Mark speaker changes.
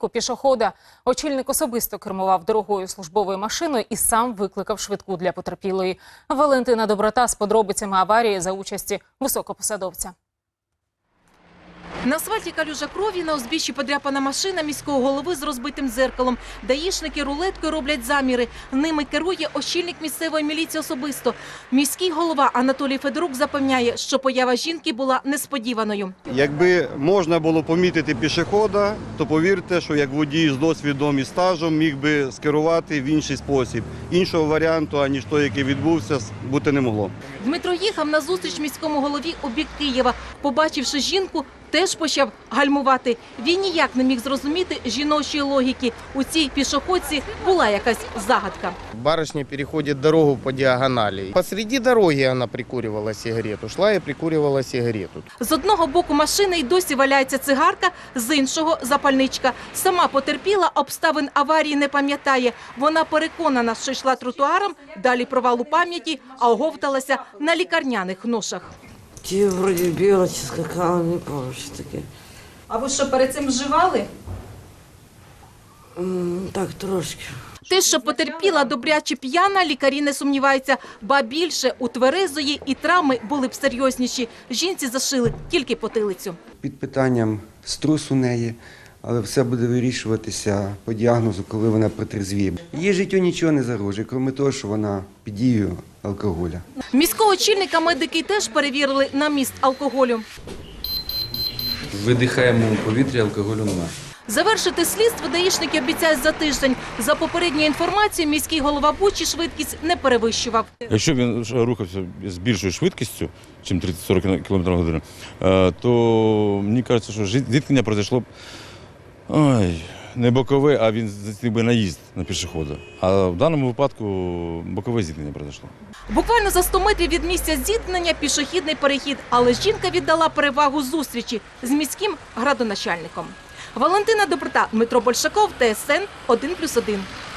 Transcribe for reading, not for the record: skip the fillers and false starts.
Speaker 1: Пішохода. Очільник особисто кермував дорогою службовою машиною і сам викликав швидку для потерпілої. Валентина Доброта з подробицями аварії за участі високопосадовця.
Speaker 2: На асфальті калюжа крові, на узбіччі подряпана машина міського голови з розбитим дзеркалом. Даїшники рулеткою роблять заміри. Ними керує очільник місцевої міліції особисто. Міський голова Анатолій Федорук запевняє, що поява жінки була несподіваною.
Speaker 3: Якби можна було помітити пішохода, то повірте, що як водій з досвідом і стажем міг би скерувати в інший спосіб. Іншого варіанту, аніж той, який відбувся, бути не могло.
Speaker 2: Дмитро їхав на зустріч міському голові у бік Києва. Побачивши жінку, теж почав гальмувати. Він ніяк не міг зрозуміти жіночої логіки. У цій пішоходці була якась загадка.
Speaker 4: Барышня переходит дорогу по диагонали. Посреди дороги она прикуривала сигарету. Шла и прикуривала сигарету.
Speaker 2: З одного боку машини й досі валяється цигарка, з іншого – запальничка. Сама потерпіла, обставин аварії не пам'ятає. Вона переконана, що йшла тротуаром, далі провал у пам'яті, а оговталася на лікарняних ношах.
Speaker 5: Ті вроді біла чи скакала, не пам'ятаю, що таке.
Speaker 2: А ви що, перед цим вживали?
Speaker 5: Так, трошки.
Speaker 2: Те, що потерпіла добряче п'яна, лікарі не сумніваються. Ба більше, у тверезої і травми були б серйозніші. Жінці зашили тільки потилицю.
Speaker 6: Під питанням струс у неї, але все буде вирішуватися по діагнозу, коли вона протрезвіє. Її життю нічого не загрожує, крім того, що вона під дією алкоголя.
Speaker 2: Міського очільника медики теж перевірили на міст алкоголю.
Speaker 7: Видихаємо у повітрі, алкоголю немає.
Speaker 2: Завершити слідство даїшники обіцяють за тиждень. За попередньою інформацією, міський голова Бучі швидкість не перевищував.
Speaker 8: Якщо він рухався з більшою швидкістю, ніж 30-40 км на годину, то мені кажеться, що зіткнення пройшло б не бокове, а він здійснив би наїзд на пішохода. А в даному випадку бокове зіткнення пройшло.
Speaker 2: Буквально за 100 метрів від місця зіткнення пішохідний перехід. Але жінка віддала перевагу зустрічі з міським градоначальником. Валентина Доброта, Дмитро Большаков, ТСН 1+1.